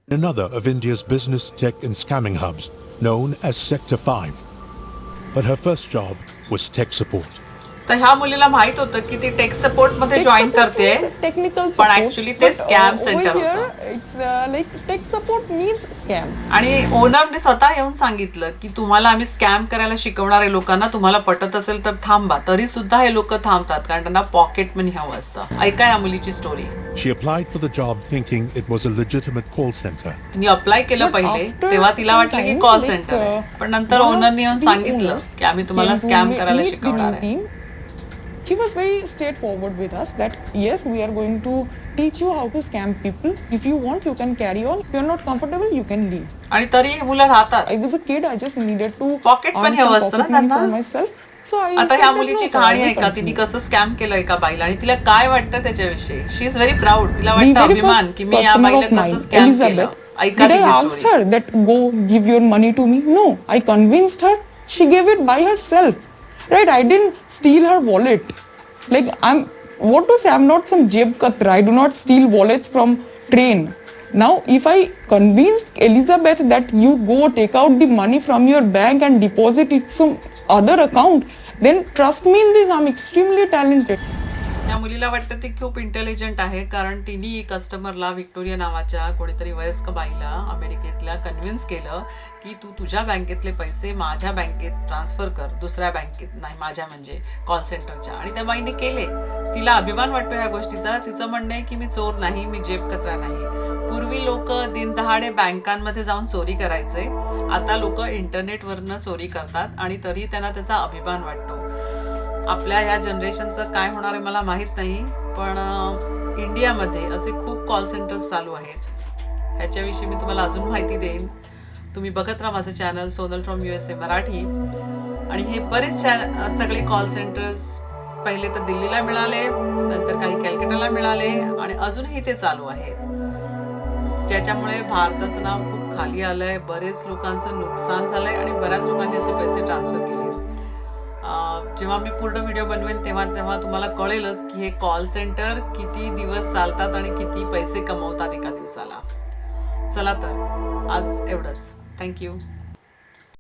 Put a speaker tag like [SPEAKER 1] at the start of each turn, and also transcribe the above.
[SPEAKER 1] another of India's business, tech and scamming hubs known as Sector 5. But her first job was tech support.
[SPEAKER 2] तर ह्या मुलीला माहित होतं की ती टेक सपोर्ट मध्ये
[SPEAKER 3] Tech
[SPEAKER 2] जॉईन
[SPEAKER 3] support
[SPEAKER 2] करते
[SPEAKER 3] means technical
[SPEAKER 2] पण
[SPEAKER 3] support,
[SPEAKER 2] ऍक्च्युली ते
[SPEAKER 3] but,
[SPEAKER 2] scam
[SPEAKER 3] over
[SPEAKER 2] centre
[SPEAKER 3] here,
[SPEAKER 2] होतं
[SPEAKER 3] it's like tech support means scam.
[SPEAKER 2] आणि ओनरने स्वतः येऊन सांगितलं की तुम्हाला आम्ही स्कॅम करायला शिकवणार आहे लोकांना, तुम्हाला पटत असेल तर थांबा. तरी सुद्धा हे लोक थांबतात कारण त्यांना पॉकेट मनी हवं असतं. ऐका या मुलीची story.
[SPEAKER 1] She applied for the job thinking it was a legitimate call center.
[SPEAKER 2] तिने अप्लाय केलं
[SPEAKER 3] But
[SPEAKER 2] पहिले
[SPEAKER 3] after
[SPEAKER 2] तेव्हा तिला वाटलं की
[SPEAKER 3] some
[SPEAKER 2] call
[SPEAKER 3] time,
[SPEAKER 2] centre
[SPEAKER 3] like,
[SPEAKER 2] आहे, पण नंतर
[SPEAKER 3] one of
[SPEAKER 2] ओनरने येऊन
[SPEAKER 3] the
[SPEAKER 2] सांगितलं
[SPEAKER 3] owners
[SPEAKER 2] की आम्ही तुम्हाला
[SPEAKER 3] came to
[SPEAKER 2] स्कॅम करायला
[SPEAKER 3] meet the
[SPEAKER 2] शिकवणार
[SPEAKER 3] new
[SPEAKER 2] आहे.
[SPEAKER 3] team. He was very straightforward with us that yes, we are going to teach you how to scam people. If you want, you can carry on. If you're not comfortable, you can leave.
[SPEAKER 2] आणि तरी मुलं राहतात.
[SPEAKER 3] I was a kid. I just needed to
[SPEAKER 2] Pocket
[SPEAKER 3] earn
[SPEAKER 2] money
[SPEAKER 3] some
[SPEAKER 2] हवं असतं ना
[SPEAKER 3] pocket money
[SPEAKER 2] त्यांना.
[SPEAKER 3] for myself. So I
[SPEAKER 2] आता
[SPEAKER 3] said
[SPEAKER 2] ह्या
[SPEAKER 3] that
[SPEAKER 2] मुलीची
[SPEAKER 3] no, sir, I
[SPEAKER 2] कहाणी
[SPEAKER 3] will
[SPEAKER 2] आहे का, तिने
[SPEAKER 3] continue.
[SPEAKER 2] कसं स्कॅम केलं एका बाईला आणि तिला काय वाटतं त्याच्याविषयी. She is very proud. तिला
[SPEAKER 3] The
[SPEAKER 2] वाटतं
[SPEAKER 3] very
[SPEAKER 2] अभिमान
[SPEAKER 3] first
[SPEAKER 2] की मी या
[SPEAKER 3] customer
[SPEAKER 2] बाईला
[SPEAKER 3] of
[SPEAKER 2] कसं
[SPEAKER 3] mine,
[SPEAKER 2] स्कॅम केलं.
[SPEAKER 3] Elizabeth,
[SPEAKER 2] ऐका
[SPEAKER 3] did I
[SPEAKER 2] तिची
[SPEAKER 3] asked
[SPEAKER 2] story.
[SPEAKER 3] her that go give your money to me? No, I convinced her. She gave it by herself. Right? I didn't steal her wallet. Like what to say? I'm not some jeb katra. I do not steal wallets from train. Now, if I convinced Elizabeth that you go take out the money from your bank and deposit it some other account, then trust me in this, I'm extremely talented.
[SPEAKER 2] त्या मुलीला वाटतं ती खूप intelligent आहे कारण तिने कस्टमरला Victoria नावाच्या कोणीतरी वयस्क बाईला अमेरिकेतल्या कन्व्हिन्स केलं की तू तुझ्या बँकेतले पैसे माझ्या बँकेत ट्रान्सफर कर, दुसऱ्या बँकेत नाही, माझ्या म्हणजे कॉल सेंटरच्या. आणि त्या बाईने केले. तिला अभिमान वाटतो या गोष्टीचा. तिचं म्हणणं आहे की मी चोर नाही, मी जेब कचरा नाही. पूर्वी लोक दिनदहाडे बँकांमध्ये जाऊन चोरी करायचे, आता लोक इंटरनेटवरनं चोरी करतात आणि तरी त्यांना त्याचा अभिमान वाटतो. आपल्या या जनरेशनचं काय होणार आहे मला माहीत नाही, पण इंडियामध्ये असे खूप कॉल सेंटर्स चालू आहेत. ह्याच्याविषयी मी तुम्हाला अजून माहिती देईन. तुम्ही बघत राहा माझं channel Sonal from USA Marathi. आणि हे बरेच सगळे कॉल सेंटर्स पहिले तर दिल्लीला मिळाले, नंतर काही कॅलकटाला मिळाले आणि अजूनही ते चालू आहेत, ज्याच्यामुळे भारताचं नाव खूप खाली आलंय. बरेच लोकांचं नुकसान झालंय आणि बऱ्याच लोकांनी असे पैसे ट्रान्सफर केले. जेव्हा मी पूर्ण व्हिडिओ बनवेन तेव्हा तुम्हाला कळेलच की हे कॉल सेंटर किती दिवस चालतात आणि किती पैसे कमवतात एका दिवसाला. चला तर आज एवढंच. थँक्यू.